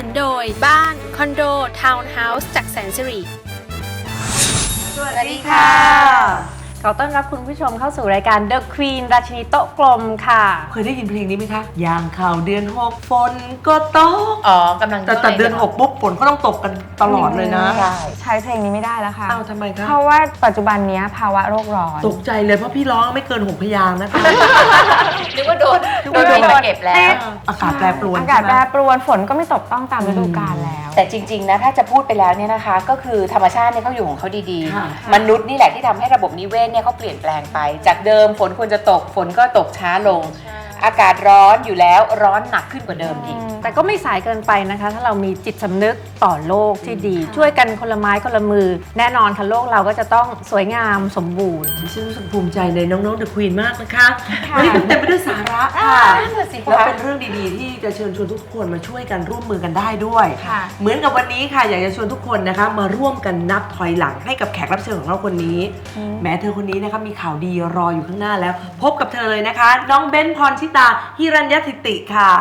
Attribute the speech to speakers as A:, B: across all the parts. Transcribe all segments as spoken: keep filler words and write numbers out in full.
A: นุนโดยบ้านคอนโดทาวน์เฮาส์จากแสนสิริ
B: สวัสดีค่ะขอต้อนรับคุณผู้ชมเข้าสู่รายการ The Queen ราชินีโต๊ะกลมค่ะ
C: เคยได้ยินเพลงนี้ไหมคะยางข่าวเดือนหกฝนก็ตก
D: อ๋อกำลัง
C: แต่แต่เดือนหกปุ๊บฝนก็ต้องตกกันตลอดเลยนะ
E: ใช้เพลงนี้ไม่ได้แล้วค่ะ
C: อ้าวทำไมคะ
E: เพราะว่าปัจจุบันนี้ภาวะโลกร้อน
C: ตกใจเลยเพราะพี่ร้องไม่เกินหกพยางค์นะคะ
D: นึกว่าโดนนึกว่าโดนเก็บแล้ว
C: อากาศแปรปรวน
E: อากาศแปรปรวนฝนก็ไม่ตกต้องตามฤดูกาลแล้ว
D: แต่จริงๆนะถ้าจะพูดไปแล้วเนี่ยนะคะก็คือธรรมชาติเนี่ยเขาอยู่ของเขาดีๆมนุษย์นี่แหละที่ทำให้ระบบนิเวศเนี่ยเขาเปลี่ยนแปลงไปจากเดิมฝนควรจะตกฝนก็ตกช้าลงอากาศร้อนอยู่แล้วร้อนหนักขึ้นกว่าเดิมอีก
B: แต่ก็ไม่สายเกินไปนะคะถ้าเรามีจิตสำนึกต่อโลกที่ดีช่วยกันคนละไม้คนละมือแน่นอนค่ะโลกเราก็จะต้องสวยงามสมบูรณ์
C: ดิฉันรู้สึกภูมิใจในน้องๆ The Queen มากนะคะวันนี้เต็มไปด้วยสาระค่ะแล้วเป็นเรื่องดีๆที่จะเชิญชวนทุกคนมาช่วยกันร่วมมือกันได้ด้วยเหมือนกับวันนี้ค่ะอยากจะชวนทุกคนนะคะมาร่วมกันนับถอยหลังให้กับแขกรับเชิญของเราคนนี้แม้เธอคนนี้นะคะมีข่าวดีรออยู่ข้างหน้าแล้วพบกับเธอเลยนะคะน้องเบนซ์ พรชิตาหิรัญญธิติค่ะ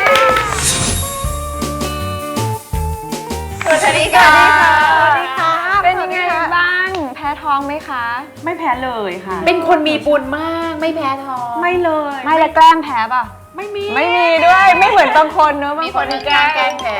D: สวัสดีค่ะ
E: สวัสดีค่ะเป็นยังไงบ้างแพ้ท้องไหมคะ
B: ไม่แพ้เลยค่ะ
D: เป็นคนมีบุญมากไม่แพ้ท้อง
B: ไม่เลย
E: ไม่แล้วแกล้งแพ้ป่ะ
B: ไม่มี
E: ไม่มีด้วยไม่เหมือนบางคนเนอะบางคน
D: แกล้งแกล้งแพ้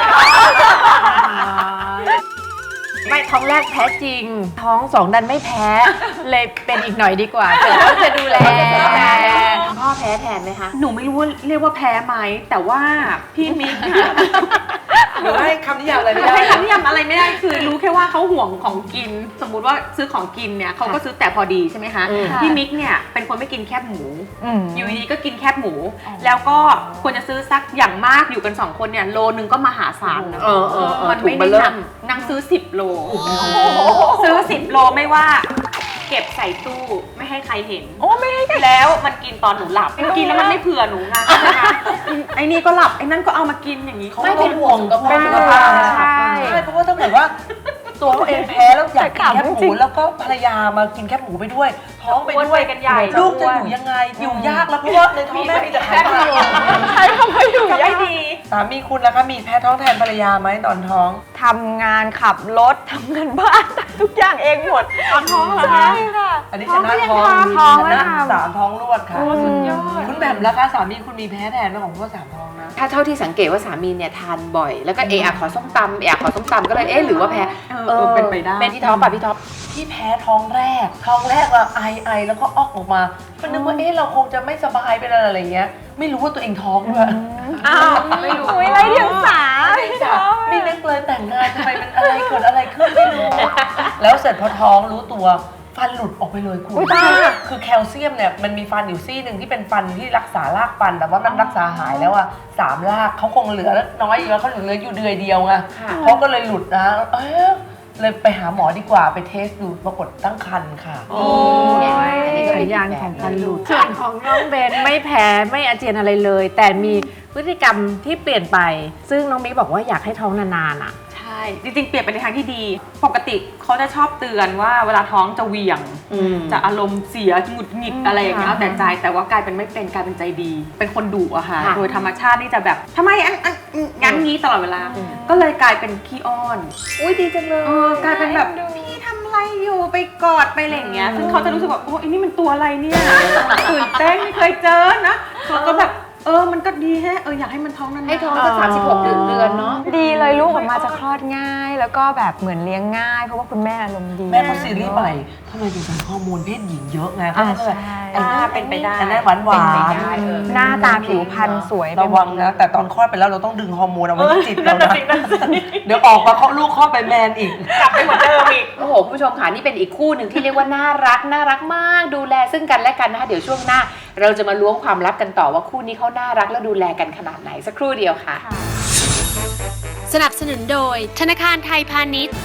B: ไม่ท้องแรกแพ้จริงท้องสองดันไม่แพ้เลยเป็นอีกหน่อยดีกว่าเดี๋ยวต้องจะดูแล
D: พ่อแพ้แทนไหมคะ
B: หนูไม่รู้ว่าเรียกว่าแพ้ไหมแต่ว่าพี่มิก
C: หรือให้คำนิยามอะไรไม่ได้
B: ให้คำนิยามอะไรไม่ได้คือรู้แค่ว่าเขาห่วงของกินสมมุติว่าซื้อของกินเนี่ยเขาก็ซื้อแต่พอดีใช่ไหมคะพี่มิกเนี่ยเป็นคนไม่กินแคบหมูอยู่ดีก็กินแคบหมูแล้วก็ควรจะซื้อสักอย่างมากอยู่กันสองคนเนี่ยโลนึงก็มหาศาลนะมันไม่ได้หนักนั่งซื้อสิบโลซื้อสิบโลไม่ว่าเก็บใส่ตู้ไม่ให้ใครเห็น
E: โอ้ไม่ให้
B: แล้วมันกินตอนหนูหลับกินแล้วมันไม่เผื่อหนูไงไอ้นี่ก็หลับไอ้นั่นก็เอามากินอย่างนี้เขา
C: ไม่เป็นห่วงกับสุขภาพใช่เพราะว่าถ้าเกิดว่าตัวเขาเองแพ้แล้วอยากกินแคบหมูแล้วก็ภรรยามากินแคบหมูไปด้วยท้องไปด้วย
B: กันใหญ่
C: ลูกจะอยู่ยังไงอยู่ยากแล้วเพราะว่าในท้องแม่มีแต่ไขมัน
E: ใช่ทำไมอยู่ไม่ดี
C: สามีคุณล่ะคะมีแพ้ท้องแทนภรรยาไหมตอนท้อง
E: ทำงานขับรถทำงานบ้านทุกอย่างเองหมด
B: ตอนท้องเหรอ
E: คะใช่ค่ะ
C: อันนี้ชนะท้อง
E: ท้อง
C: ชนะสามท้องรวดค่ะ
E: สุดยอด
C: คุณแบบล่ะคะสามีคุณมีแพ้แทนไหมของพวกสามท้องนะ
D: ถ้าเท่าที่สังเกตว่าสามีเนี่ยทานบ่อยแล้วก็เออะขอส้มตำเออะขอส้มตำก็เลยเอ๊ะหรือว่าแพ้
B: เออเป็นไปได้
D: เป็นที่ท้องป่ะพี่ท็อป
C: ที่แพ้ท้องแรกท้องแรกว่าไอไอแล้วก็ออกออกมามันนึกว่าเอ๊ะเราคงจะไม่สบายเป็นอะไรเงี้ยไม่รู้ว่าตัวเองท้องด้วย
E: อ้าวไม่รู้ไม่ไรเดียงสา
C: ไม่นึกเลยแต่งงานทำไมเป็นอะไรเกิดอะไรขึ้นไม่รู้แล้วเสร็จพอท้องรู้ตัวฟันหลุดออกไปเลยคุณคือแคลเซียมเนี่ยมันมีฟันอยู่ซี่หนึ่งที่เป็นฟันที่รักษารากฟันแต่ว่ามันรักษาหายแล้วอะสามรากเขาคงเหลือน้อยอยู่แล้วเขาเหลืออยู่เดือยเดียวไงเขาก็เลยหลุดนะเออเลยไปหาหมอดีกว่าไปเทสดูปรากฏตั้งครรภ์ค่ะ
B: โอ้ยสัญญาณของฟันหลุดส่วนของน้องเบนไม่แพ้ไม่อาเจียนอะไรเลยแต่มีพฤติกรรมที่เปลี่ยนไปซึ่งน้องมิกบอกว่าอยากให้ท้องนานๆอ่ะใช่จริงๆเปลี่ยนไปในทางที่ดีปกติเขาจะชอบเตือนว่าเวลาท้องจะเหวี่ยงจะอารมณ์เสียหงุดหงิดอะไรอย่างเงี้ยแต่ใจแต่ว่ากลายเป็นไม่เป็นกลายเป็นใจดีเป็นคนดุอะค่ะโดยธรรมชาตินี่จะแบบทำไมอันอันงั้นงี้ตลอดเวลาก็เลยกลายเป็นขี้อ้อน
D: อุ้ยดีจังเลย
B: กลายเป็นแบบพี่ทำอะไรอยู่ไปกอดไปอะไรอย่างเงี้ยซึ่งเขาจะรู้สึกว่าโอ้ยนี่มันตัวอะไรเนี่ยตื่นเต้นไม่เคยเจอนะเขาก็แบบเออมันก็ดีแฮะเอออยากให้มันท้องนานๆ
D: ให้ท้องสักสามสิบหกเดือนเดือนเนาะ
E: ดีเลยลูกออกมาจะคลอดง่ายแล้วก็แบบเหมือนเลี้ยงง่ายเพราะว่าคุณแม่อารมณ์ดี
C: แม่เขาซีรีส์ใหม่ทำไมถึงใส่ฮอร์โมนเพศหญิงเยอะไงเขา
E: ใช่
C: อ่า
B: เป็นไปได้
C: อันนั้นหวานหวาน
E: หน้าตาผิวพรรณสวย
C: ระวังนะแต่ตอนคลอดไปแล้วเราต้องดึงฮอร์โมนเอาไว้ที่จิตเรานะเดี๋ยวออกมาลูกคลอดไปแมนอีก
B: กลับไปเหมือนเดิมอีก
D: โอ้โหผู้ชมค่ะนี่เป็นอีกคู่หนึ่งที่เรียกว่าน่ารักน่ารักมากดูแลซึ่งกันและกันนะคะเดี๋ยวช่วงหน้าเราจะมาล้วงความลับกันต่อว่าคู่นี้เขาน่ารักและดูแลกันขนาดไหนสักครู่เดียวค่ะ
A: สนับสนุนโดยธนาคารไทยพาณิชย์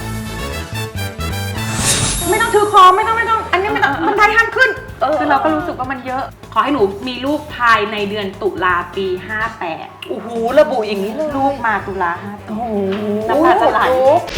B: ไม่ต้องถือคอไม่ต้องไม่ต้องอันนี้ไม่ต้องมันไทยห้ามขึ้นคือเราก็รู้สึกว่ามันเยอะขอให้หนูมีลูกภายในเดือนตุลาปีห้าแปด
C: โอ้โหระบุอย่างนี้เลย
B: ลูกมาตุลาห้าโอ้โหน้ำตาจะไหล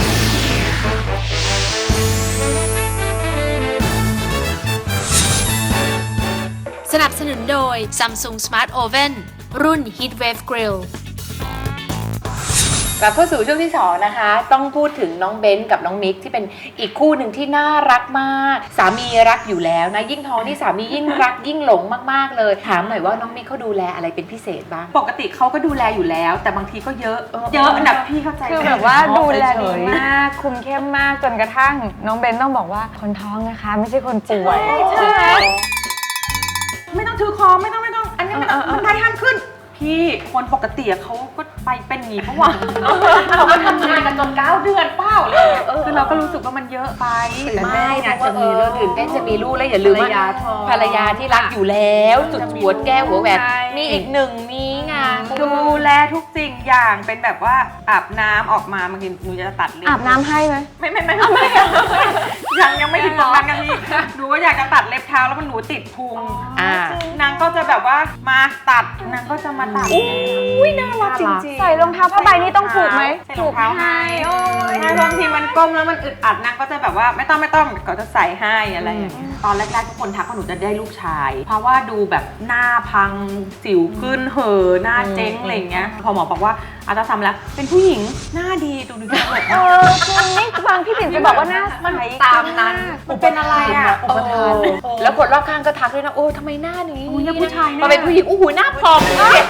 A: สนับสนุนโดย Samsung Smart Oven รุ่น Heatwave Grill
D: กลับเข้าสู่ช่วงที่สองนะคะ ต้องพูดถึงน้องเบนกับน้องมิกที่เป็นอีกคู่หนึ่งที่น่ารักมากสามีรักอยู่แล้วนะยิ่งท้องนี่สามียิ่งรักยิ่งหลงมากๆเลยถามหน่อยว่าน้องมิกเขาดูแลอะไรเป็นพิเศษบ้าง
F: ปกติเขาก็ดูแลอยู่แล้ว แต่บางทีก็เยอะ เยอะนะพี่เข้าใจ
E: คือ
F: ไหม
E: แบบว่าดูแลดี
C: เฉยๆ
E: มาก คุมเข้มมากจนกระทั่งน้องเบนต้องบอกว่าคนท้องนะคะ ไม่ใช่คนป่วย
F: ใช่ไหมไม่ต้องถือคอไม่ต้องไม่ต้อง อันนี้ไม่ต้องมันได้ห้ามขึ้น พี่คนปกติอะเขาก็ไปเป็นอย่างนี้เพราะว่า
B: เขาก็ทำงานกันจนเก้าเดือนเป้าเลย
F: คือเราก็รู้สึกว่ามันเยอะไป
D: แต่แม่นะจะมีเรื่องตื่นเต้นจะมีลูกแล้วอย่าลืมว่าภรรยาที่รักอยู่แล้วจุดหัวแก้วหัวแหวนมีอีกหนึ่งนี้ไง
F: ดูแลทุกสิ่งอย่างเป็นแบบว่าอาบน้ำออกมาบางทีหนูจะตัดเล็บ
E: อาบน้ำให้ไหม
F: ไม่ไม่ไม่ไม่ยังยังไม่ถึงตรงนั้นกันพี่หนูก็อยากจะตัดเล็บเท้าแล้วมันหนูติดพุง
D: อ่า
F: นางก็จะแบบว่ามาตัดนางก็จะมาตัด
D: อุ้ยน่ารักจริงๆ
E: ใส่รองเท้าผ้าใบนี่ต้องผูกไหม
F: ใส่รองเท้าให้โอ้ยบางทีมันก้มแล้วมันอึดอัดนางก็จะแบบว่าไม่ต้องไม่ต้องก็จะใส่ให้อะไรอย่างเงี้ยตอนแรกๆทุกคนทักว่าหนูจะได้ลูกชาย เพราะว่าดูแบบหน้าพังสิวขึ้นเห่อหน้าเจ๊งอะไรอย่างเงี้ยพอหมอบอกว่าอัลตราซาวด์แล้วเป็นผู้หญิงหน้าดีดูดูดีเลย
E: เออจริงนี่บางพี่ปิ่นจะบอกว่าหน้าใส
B: ตามนั้น
F: มันเป็นอะไรอ่ะ
D: อุปทานแล้วคนรอบข้างก็ทักด้วยนะโอ้ทำไมหน้านี้
F: อุ๊ยเนี่ยผู้ชายแน่
D: มาเป็นผู้หญิงโอ้โหหน้าพอง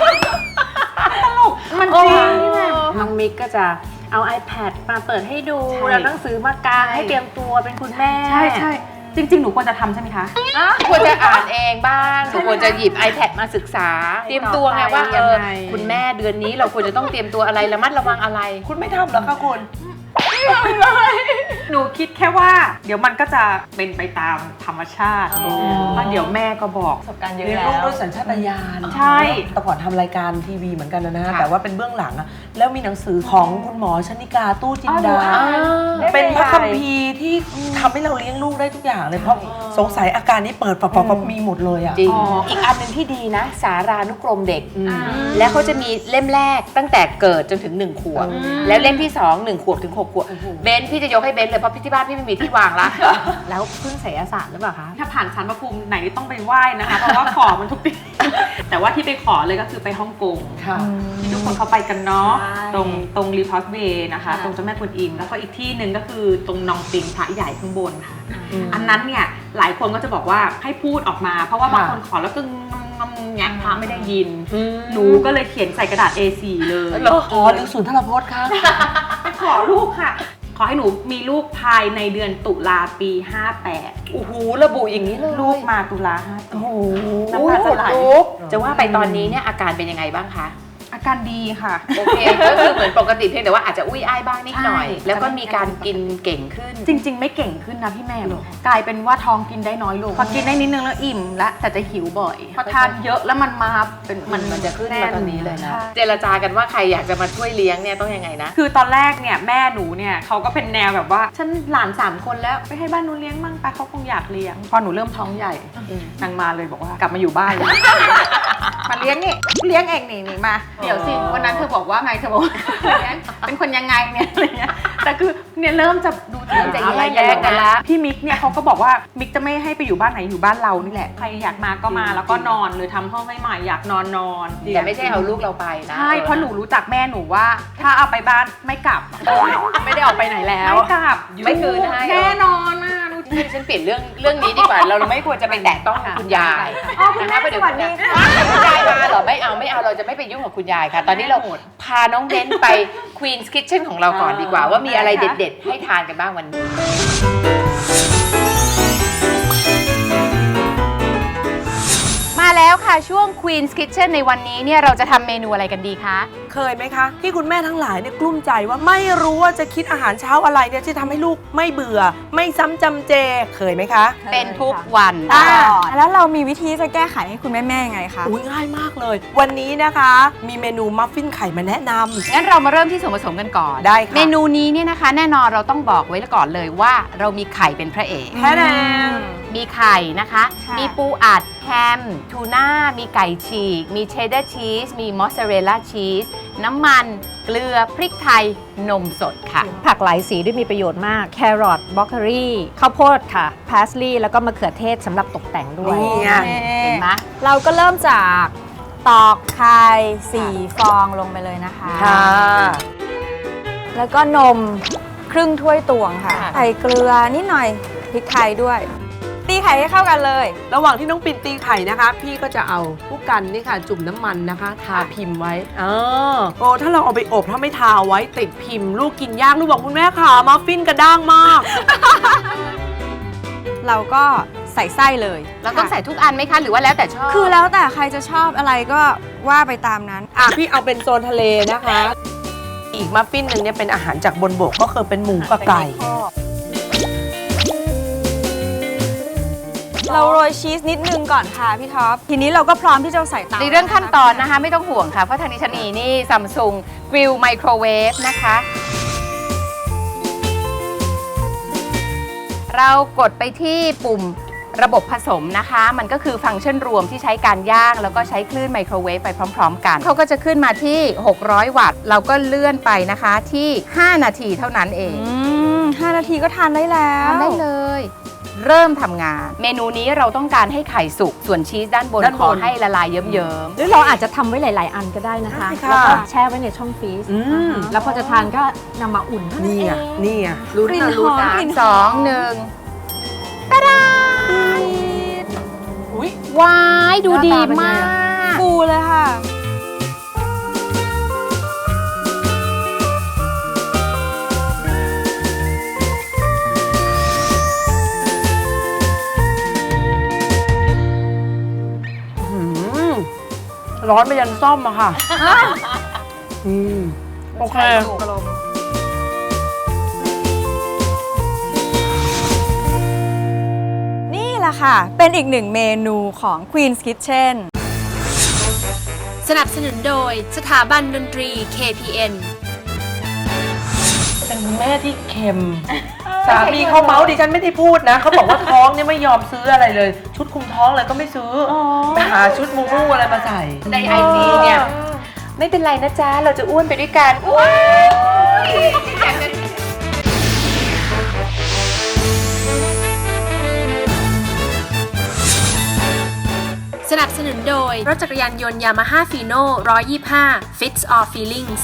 F: มันจริงนี่ไง
B: น้องมิกก็จะเอา iPad มาเปิดให้ดู
F: ใช่
B: แล้วหนังสือมากางให้เตรียมตัวเป็นคุณแม่
F: ใช่ใช่จริง ๆ หนูควรจะทำใช่ไหมคะ
D: ควรจะอ่านเองบ้างควรจะหยิบ iPad มาศึกษา เตรียมตัวไงว่าเออคุณแม่เดือนนี้เราควรจะต้องเตรียมตัวอะไรระมัดระวังอะไร
C: คุณไม่ทำเหรอคะคุณ
F: หนูคิดแค่ว่า เดี๋ยวมันก็จะเป็นไปตามธรรมชาติเพราะเดี๋ยวแม่ก็บอก
E: ประสบการณ์เยอะ
C: เลี้ยง
E: แล้
C: ลูก
E: ว
C: ด้วยสัญชาตญาณ
F: ใช่
C: แต่ก่อนทำรายการทีวีเหมือนกันนะนะ
D: ค่ะ
C: แต่ว่าเป็นเบื้องหลังอะแล้วมีหนังสือของคุณหมอชนิกาตู้จินดา
D: อ่า
C: เป็นพระคัมภีร์ที่ทำให้เราเลี้ยงลูกได้ทุกอย่างเลย เพราะสงสัยอาการนี้เปิดปับปับปับมีหมดเลยอ่ะ
D: จริง อีกอันหนึ่งที่ดีนะ สารานุกรมเด็ก แล้วเขาจะมีเล่มแรกตั้งแต่เกิดจนถึงหนึ่งขวบ แล้วเล่มที่สองหนึ่งขวบถึงหกขวบ เบนพี่จะยกให้เบนเลยเพราะพี่ที่บ้านพี่ไม่มีที่วางละ
B: แล้วพึ่งไสยศาสตร์หรือเปล่าคะ
F: ถ้าผ่านชั้นพระภูมิไหนนี่ต้องไปไหว้นะคะ เพราะว่าขอมันทุกปี แต่ว่าที่ไปขอเลยก็คือไปฮ่องกง
C: ค่ะ
F: ที่ทุกคนเขาไปกันเนาะ
B: ใช่
F: ตรงตรงรีพอสเวย์นะคะ
B: ค่ะ
F: ตรงเจ้าแม่กวนอิมแล้วก็อีกที่หนึ่งก็คือตรงนองปิงพระใหญ่ข้างบนค่ะ
C: อืม
F: อันนั้นเนี่ยหลายคนก็จะบอกว่าให้พูดออกมา เพราะว่าบาง
C: ค่ะ
F: คนขอแล้วก็งงงแงะพระไม่ได้ยิน
D: อืม
F: หนูก็เลยเขียนใส่กระดาษ เอ โฟร์ เลย
C: อ๋อหรือศูนย์ทรพจน์คะ
F: ไปขอลูกค่ะ ขอให้หนูมีลูกภายในเดือนตุลาปีห้าแปด
D: โอ้โหระบุอย่างนี้เลย
F: ลูกมาตุลาห้าแปด
C: โอ้โห
F: น้ำตาจะไหล
D: จะว่าไปตอนนี้เนี่ยอาการเป็นยังไงบ้างคะ
F: อาการดีค่ะ
D: โอเค ก็คือเหมือนปกติเพียงแต่ว่าอาจจะอุ้ยอ้ายบ้างนิดหน่อย
F: ใช่
D: แล้วก็มีการกินเก่งขึ้น
F: จริง ๆ ไม่เก่งขึ้นนะพี่แม่กลายเป็นว่าท้องกินได้น้อยลงพอกินได้นิดนึงแล้วอิ่มแล้วแต่จะหิวบ่อยพอทานเยอะแล้วมันมาเป็น
D: มันมันจะขึ้นมาตอนนี้เลยนะ
F: ใช่
D: เจรจากันว่าใครอยากจะมาช่วยเลี้ยงเนี่ยต้องยังไงนะ
F: คือตอนแรกเนี่ยแม่หนูเนี่ยเขาก็เป็นแนวแบบว่าฉันหลานสามคนแล้วไปให้บ้านหนูเลี้ยงมั่งไปเขาคงอยากเลี้ยงพอหนูเริ่มท้องใหญ่นางมาเลยบอกว่ากลับมาอยู่บ้านเลย มาเลี้ยงนี่เลี้ยงเองนี่นี่มาเดี๋ยวสิวันนั้นเธอบอกว่าไงเธอบอกว่าเลี้ยงเป็นคนยังไงเนี่ยอะไรเงี้ยแต่คือเนี่ยเริ่มจะดูเริ่มจะ
D: อะไร
F: แยกกัน
D: แยกกัน
F: ละ
D: ละ
F: พี่มิกเนี่ยเขาก็บอกว่ามิกจะไม่ให้ไปอยู่บ้านไหนอยู่บ้านเรานี่แหละใครอยากมาก็มาแล้วก็นอนเลยทำห้องให้ใหม่อยากนอนนอน
D: แต่ไม่ใช่เอาลูกเราไปนะ
F: ใช่เพราะหนูรู้จักแม่หนูว่า ถ้าเอาไปบ้านไม่กลับ
B: ไม่ได้ออกไปไหนแล้ว
F: ไม่กลับ
D: ไม่คืนให้
F: แน่นอนนะดู
D: นี่ฉันเปลี่ยนเรื่องเรื่องนี้ดีกว่า เราไม่ควรจะไปแตะต้องคุณยาย
E: อ๋อคุณแม่
D: นะ
E: สวัสดีค่ะ
D: คุณยายมาเหรอไม่เอาไม่เอาเราจะไม่ไปยุ่งกับคุณยายค่ะ ตอนนี้เราพาน้องเบนไป Queen's Kitchen ของเราก่อนดีกว่า ว่ามีอะไรเด็ดๆ ให้ทานกันบ้างวันนี้ มาแล้วค่ะช่วง Queen's Kitchen ในวันนี้เนี่ยเราจะทำเมนูอะไรกันดีคะ
C: เคยไหมคะ ที่คุณแม่ทั้งหลายเนี่ยกลุ้มใจว่าไม่รู้ว่าจะคิดอาหารเช้าอะไรเนี่ยที่ทำให้ลูกไม่เบื่อ ไม่ซ้ำจำเจเคยไหมคะ
D: เป็นทุกวัน
C: อ่า
E: แล้วเรามีวิธีจะแก้ไขให้คุณแม่ๆยังไงคะ
C: อุ้ยง่ายมากเลย วันนี้นะคะ มีเมนูมัฟฟินไข่มาแนะนำ
D: งั้นเรามาเริ่มที่ส่วนผสมกันก่อน
C: ได้ค่ะ
D: เมนูนี้เนี่ยนะคะ แน่นอนเราต้องบอกไว้ก่อนเลยว่าเรามีไข่เป็นพระเอก
C: แค่นั้น
D: มีไข่นะคะ
E: ค่ะ
D: มีปูอัดแฮม ทูน่า มีไก่ฉีก มีเชดดาร์ชีส มีมอสซาเรลล่าชีส น้ำมัน เกลือ พริกไทย นมสดค่ะ
B: ผักหลายสีด้วยมีประโยชน์มาก แครอทบล็อกเกอรี่ ข้าวโพดค่ะ พาสลีย์แล้วก็มะเขือเทศสำหรับตกแต่งด้วย
C: นี่ไง
D: เห็นไหม
E: เราก็เริ่มจากตอกไข่สี่ฟองลงไปเลยนะคะ
C: ค่ะ
E: แล้วก็นมครึ่งถ้วยตวงค่ะ ใส่เกลือนิดหน่อยพริกไทยด้วย ตีไข่ให้เข้ากันเลย
C: ระหว่างที่น้องปิ่นตีไข่นะคะ พี่ก็จะเอาผู้กันนี่ค่ะจุ่มน้ำมันนะคะ ทาพิมพ์ไว้เออโอ้ถ้าเราเอาไปอบถ้าไม่ทาเอาไว้ติดพิมพ์ ลูกกินยากลูกบอกคุณแม่ค่ะมัฟฟินกระด้างมาก
E: เราก็ใส่ไส้เลย
D: เราต้องใส่ทุกอันไหมคะ หรือว่าแล้วแต่ชอบ
E: คือแล้วแต่ใครจะชอบอะไรก็ว่าไปตามนั้น
C: อ่ะพี่เอาเป็นโซนทะเลนะคะ อีกมัฟฟินหนึ่งเนี่ยเป็นอาหารจากบนบกก็คือเป็นหมูกับไก่
E: เราโรยชีสนิดนึงก่อนค่ะพี่ท็อป ทีนี้เราก็พร้อมที่จะใส่เตา
D: ในเรื่องขั้นตอนนะคะ ไม่ต้องห่วงค่ะ เพราะทางนี้ฉันมีนี่ซัมซุงกริลไมโครเวฟนะคะ เรากดไปที่ปุ่มระบบผสมนะคะ มันก็คือฟังก์ชันรวมที่ใช้การย่างแล้วก็ใช้คลื่นไมโครเวฟไปพร้อมๆกัน เขาก็จะขึ้นมาที่หกร้อยวัตต์ เราก็เลื่อนไปนะคะที่ห้านาทีเท่านั้นเอง
E: อืมห้านาทีก็ทานได้แล้ว
D: ทำได้เลย เริ่มทำงาน เมนูนี้เราต้องการให้ไข่สุกส่วนชีสด้านบน
C: ด้านบน
D: ขอให้ละลายเยิ้ม
B: หรือเราอาจจะทำไว้หลาย ๆ อันก็ได้นะคะ
C: ได้ค่ะ
B: แล้วก็แช่ไว้ในช่องฟรีซ
C: อืม
B: แล้วพอจะทานก็นำมาอุ่นเท่านั้น
C: นี่
B: เอ
C: อ่ะ
B: ง
C: นี่อ่ะรู้
E: กลิ่น
C: นะรู้
E: หอม
C: นะ
E: กลิ่น
D: ๆสองหนึ่ง
C: อุ้ย
D: ว้ายดูดีมาก
E: ฟูเลยค่ะ
C: หืมร้อนไปยันซ่อมอะค่ะ อืมโอเค
E: นี่แหละค่ะ เป็นอีกหนึ่งเมนูของ Queen's Kitchen
A: สนับสนุนโดยสถาบันดนตรี เค พี เอ็น
C: เป็นคุณแม่ที่เค็ม สามีเขาเมาส์ดิฉันไม่ได้พูดนะ เขาบอกว่าท้องเนี่ยไม่ยอมซื้ออะไรเลย ชุดคุมท้องเลยก็ไม่ซื้ออไปหาชุดมูมูอะไรมาใส่
D: ในไอจีเนี่ย ไม่เป็นไรนะจ๊ะ เราจะอ้วนไปด้วยกันว้าย
A: สนับสนุนโดย รถจักรยานยนต์ยามาฮ่าฟีโน่หนึ่งร้อยยี่สิบห้า Fits All Feelings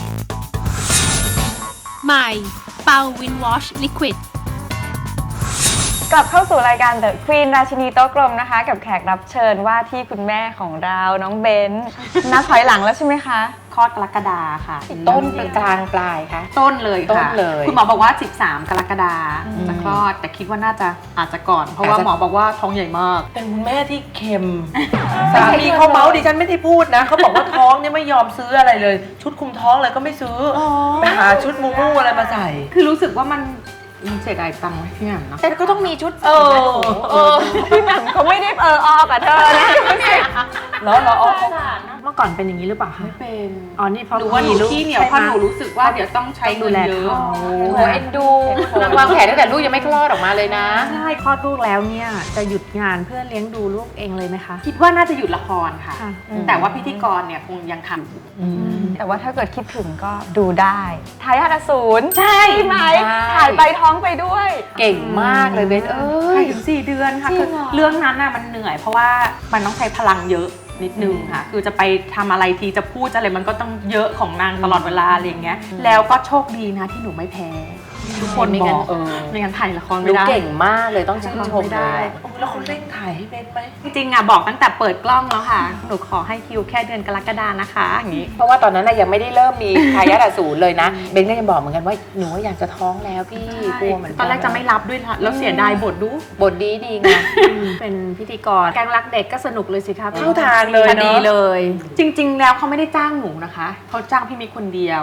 A: ใหม่เป่าวินวอชลิควิด
E: กลับเข้าสู่รายการ The Queen ราชินีโต๊ะกลมนะคะ กับแขกรับเชิญว่าที่คุณแม่ของเราน้องเบนนับถอยหลังแล้วใช่ไหมคะ
F: คลอดกรกฎาค่ะ
D: ต้นเป็นกลางปลายคะ
F: ต้นเลยค่ะ
D: ต้นเลย
F: คุณหมอบอกว่า สิบสาม กรกฎาจะคลอด แต่คิดว่าน่าจะอาจจะก่อน เพราะว่า
D: อาจจะ
F: หมอบอกว่าท้องใหญ่มาก
C: เป็นคุณแม่ที่เค็ม สามีเขาเมาส์ดิฉันไม่ได้พูดนะ เขาบอกว่าท้องเนี่ยไม่ยอมซื้ออะไรเลย ชุดคุมท้องเลยก็ไม่ซื้ออไปหาชุดมูมูอะไรมาใส่
F: คือรู้สึกว่ามันมันเสียดายตังค์ไหมพี่แหม่มเนาะ
D: แต่ก็ต้องมีชุด
C: เออ
D: เออ
E: พี่แหม่มเขาไม่ได้เออออกับเธอนะ
C: แล้วเราเอา
B: เมื่อก่อนเป็นอย่างนี้หรือเปล่าคะ
F: ไม่เป็น
B: อ๋อ นี่เพราะ
F: หรือว่าหนู
B: มีลูก
F: ขี้เหนียว
B: ใช่
F: เพราะ
B: ไหม
F: หนูรู้สึกว่าเดี๋ยวต้องใช้
B: ต้องดู
F: เงิน
B: แล
F: เยอะ
B: เขา
D: โอ้โหเอ็นดูวางแผนตั้งแต่ลูกยังไม่คลอดออกมาเลยนะ
B: ใช่คลอดลูกแล้วเนี่ยจะหยุดงานเพื่อเลี้ยงดูลูกเองเลยไหมคะ
F: คิดว่าน่าจะหยุดละครค่ะ
B: ค่ะ
F: แต่ว่าพิธีกรเนี่ยคงยังทำอยู่
E: แต่ว่าถ้าเกิดคิดถึงก็ดูได้ทายาทอสูร
F: ใช่
E: ไหม
D: ใช่
E: ถ่ายไปท้องไปด้วย
D: เก่งมากเลยเบนเอ้
F: ถ่าย
D: ย
F: ถึงสี่เดือนค่ะ
D: จริ
F: คื
D: ง
F: อ
D: เหรอ
F: เรื่องนั้นน่ะมันเหนื่อย เพราะว่ามันต้องใช้พลังเยอะนิดนึงค่ะ คือจะไปทำอะไรทีจะพูดอะไรมันก็ต้องเยอะของนางตลอดเวลาอะไรอย่างเงี้ย แล้วก็โชคดีนะที่หนูไม่แพ้ ทุกคน
D: ไม่
F: บ
D: งั้
F: อน ก
D: เออ
F: ไม่งั้นถ่ายละคร
D: ห
F: ไม่
D: นู
F: ได้
D: เก่งมากเลยต้องชื่นชม
F: ไม่
D: เล
F: ได้
D: ย
C: แล้วเขาเร่งถ่ายให้เป็นไหม
F: จริงๆอ่ะบอกตั้งแต่เปิดกล้องแล้วค่ะ หนูขอให้คิวแค่เดือนกรกฎานะคะอย่างนี้
D: เพราะว่าตอนนั้นน่ะยังไม่ได้เริ่มมีทายาทอสูรเลยนะ เบนก็ยังบอกเหมือนกันว่าหนูว่าอยากจะท้องแล้วพี่กลัวเหมือนกัน
F: ตอนแรกจะไม่รับด้วยนะแล้วเสียดายบทดู
D: บทดีดีไง
B: เป็นพิธีกรแกงรักเด็กก็สนุกเลยสิคะ
C: เข้าทางเลย
B: พอดี
C: เนาะ
B: เลย
F: จริง ๆ แล้วเขาไม่ได้จ้างหนูนะคะเขาจ้างพี่มิกคนเดียว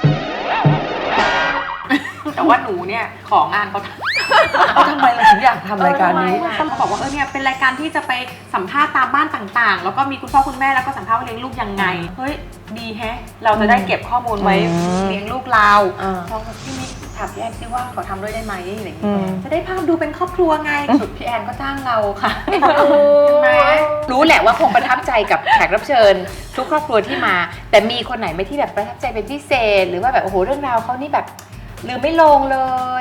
F: แต่ว่าหนูเนี่ยของานเขาทำ
C: เอาทำไมเราถึงอยากทำรายการนี้
F: เขาบอกว่าเออเนี่ยเป็นรายการที่จะไปสัมภาษณ์ตามบ้านต่างๆ แล้วก็มีคุณพ่อคุณแม่แล้วก็สัมภาษณ์ว่าเลี้ยงลูกยังไง เฮ้ยดีแฮะ เราจะได้เก็บข้อมูลไว้เลี้ยงลูกเรา
D: อ่า
F: พอพี่มิกถามพี่แอนซิว่าขอทำด้วยได้ไหมอะไรอย่าง
E: อื
F: เงี้ย
E: ม
F: จะได้ภาพดูเป็นครอบครัวไงสุดพี่แอนก็จ้างเราค่ะ
D: ไหมรู้แหละว่าคงประทับใจกับแขกรับเชิญ ทุกครอบครัวที่มา แต่มีคนไหนไหมที่แบบประทับใจเป็นพิเศษ หรือว่าแบบโอ้โหเรื่องราวเขานี่แบบลืมไม่ลงเลย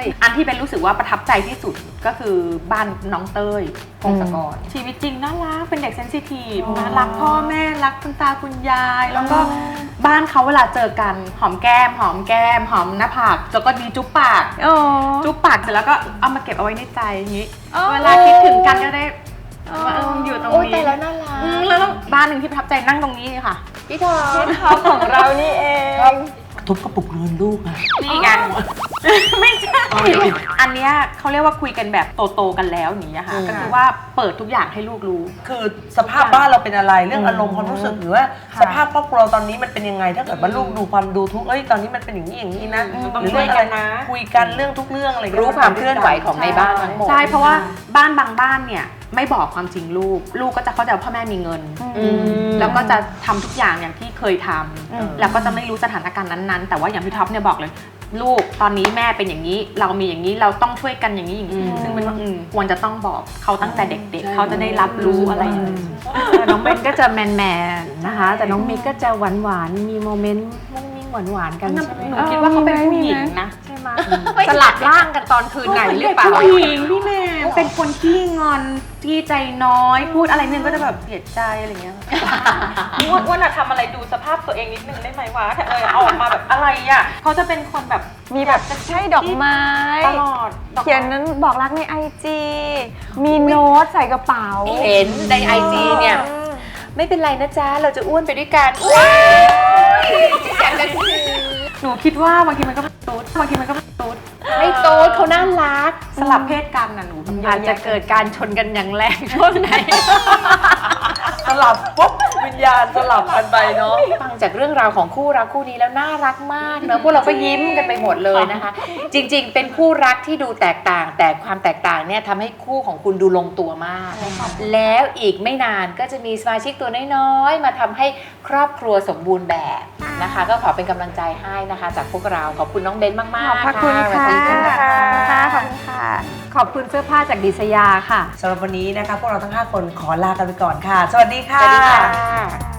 F: อันที่เป็นรู้สึกว่าประทับใจที่สุดก็คือบ้านน้องเต้ยพงศกรชีวิตจริงน่ารักเป็นเด็กเซนซิทีฟนะรักพ่อแม่รักคุณตาคุณยาย แล้วก็บ้านเขาเวลาเจอกันหอมแก้มหอมแก้มหอมหน้าผากแล้วก็ดีจุ๊บปาก
E: อ๋อ
F: จุ๊บปากเสร็จแล้วก็เอามาเก็บเอาไว้ในใจอย่างนี้
E: อ๋อ
F: เวลาคิดถึงกันก็ได้ว่าเอออยู่ตรง
D: โอ้ย
F: นี้
D: แต่แล้วน่ารัก
F: อืมแล้วบ้านหนึ่งที่ประทับใจนั่งตรงนี้ค่ะ
D: พี่ทอม
E: ท็อปของเรานี่เอง
C: ทุบกระปุกเงินลูกอะ
F: นี่ไงไม่ใช่ อันเนี้ยเขาเรียกว่าคุยกันแบบโตๆกันแล้วอย่างนี้ยค่ะ ก็คือว่าเปิดทุกอย่างให้ลูกรู้
C: คือสภาพบ้านเราเป็นอะไรเรื่องอารมณ์ความรู้สึกหรือว่าสภาพครอบครัวตอนนี้มันเป็นยังไงถ้าเกิดว่าลูกดูความดูทุกข์เอ้ยตอนนี้มันเป็นอย่างนี้อย่างนี้นะ
F: ต้อง
C: หรือ
F: ช่วยกันนะ
C: คุยกันเรื่องทุกเรื่องอะไร
D: รู้ความเคลื่อนไหวของในบ้านทั้งหมด
F: ใช่เพราะว่าบ้านบางบ้านเนี่ยไม่บอกความจริงลูก ลูกก็จะเข้าใจว่าพ่อแม่มีเงิน
D: อืม
F: แล้วก็จะทำทุกอย่างอย่างที่เคยทำแล้วก็จะไม่รู้สถานการณ์นั้นๆ แต่ว่าอย่างพี่ท็อปเนี่ยบอกเลย ลูกตอนนี้แม่เป็นอย่างนี้ เรามีอย่างนี้เราต้องช่วยกันอย่างนี้อย่างนี้ ซึ่งเป็นว่าอืมควรจะต้องบอกเขาตั้งแต่เด็กๆ เขาจะได้รับรู้อะไรอย่างนี้
B: แต่น้องเบนก็จะแมนแมนๆนะคะ แต่น้องมิกก็จะหวานหวานๆมีโมเมนต์มุ้งมิ้งหวานหวานๆกันใช่ไหม
F: หนูคิดว่าเขาเป็นผู้หญิงนะ
B: ใช่ไหมสลับร่างกันตอนคืนไหนหรือเปล่า
F: ผู้หญิงพี่แม่เป็นคนขี้งอนที่ใจน้อย พูดอะไรนึงก็จะแบบเสียใจอะไรเงี้ยอ้วนอ้วนอะทำอะไรดูสภาพตัวเองนิดนึงได้ไหมวะเออเอาออกมาแบบอะไรอะเขาจะเป็นคนแบบ
E: มีแบบใช่ดอกไม้
F: ตลอดดอกไม้
E: เขียนนั้นบอกรักในไอจีมีโน้ตใส่กระเป๋า
D: เห็นในไอจีเนี่ย ไม่เป็นไรนะจ๊ะ เราจะอ้วนไปด้วยกันอ้วนอยากจะคือ
F: หนูคิดว่าบางทีมันก็ไม่ตูดบางทีมันก็ไม่ตูด
D: ไม่โตดเขาน่ารัก
F: สลับเพศกันน่ะหนูแบบ
B: อาจจะเกิดการชนกันอย่างแรงช่วงไหน
C: สลับปุ๊บวิญญาณสลับกันไปเนาะ
D: ฟังจากเรื่องราวของคู่รักคู่นี้แล้วน่ารักมากเนอะพวกเราก็ยิ้มกันไปหมดเลยนะคะ จริงๆ เป็นคู่รักที่ดูแตกต่าง แต่ความแตกต่างเนี่ยทำให้คู่ของคุณดูลงตัวมาก แล้วอีกไม่นานก็จะมีสมาชิกตัวน้อยๆ มาทำให้ครอบครัวสมบูรณ์แบบนะคะ ก็ขอเป็นกำลังใจให้นะคะ จากพวกเราขอบคุณน้องเบนมากๆ
E: ขอบคุณ
D: สวัส
E: ค่ะ
D: ดีค่ะ
E: ค่ะขอบคุณค่ะ
B: ขอบคุณเสื้อผ้าจากดิษยาค่ะ
C: สำหรับวันนี้นะคะพวกเราทั้งห้าคนขอลากันไปก่อนค่ะ สวัสดีค่ะ
D: สวัสดีค่ะ